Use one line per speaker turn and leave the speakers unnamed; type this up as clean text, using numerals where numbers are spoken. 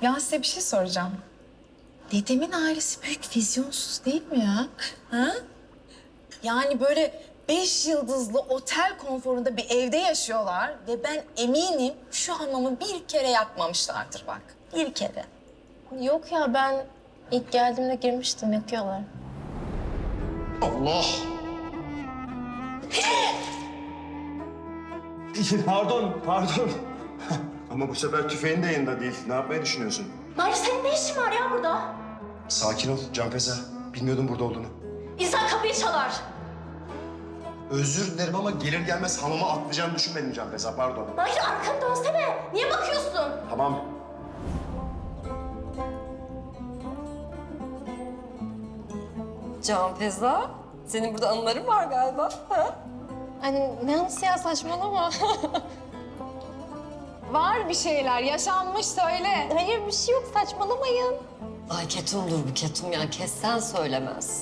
Ya size bir şey soracağım. Dedemin ailesi büyük vizyonsuz değil mi ya? Ha? Yani böyle 5 yıldızlı otel konforunda bir evde yaşıyorlar ve ben eminim şu hamamı bir kere yakmamışlardır bak. Bir kere.
Yok ya, ben ilk geldiğimde girmiştim, yakıyorlar.
Allah! Pardon. Ama bu sefer tüfeğin de yanında değil. Ne yapmayı düşünüyorsun?
Mahir senin ne işin var ya burada?
Sakin ol Canfeza. Bilmiyordum burada olduğunu.
İnsan kapıyı çalar.
Özür dilerim ama gelir gelmez hamama atlayacağını düşünmedim Canfeza. Pardon.
Mahir arkanı dönsene. Niye bakıyorsun?
Tamam.
Canfeza, senin burada anıların var galiba. Ha?
Hani ne anısı ya, saçmalama. Var bir şeyler, yaşanmış, söyle. Hayır, bir şey yok, saçmalamayın.
Ay ketumdur bu ketum ya, kessen söylemez.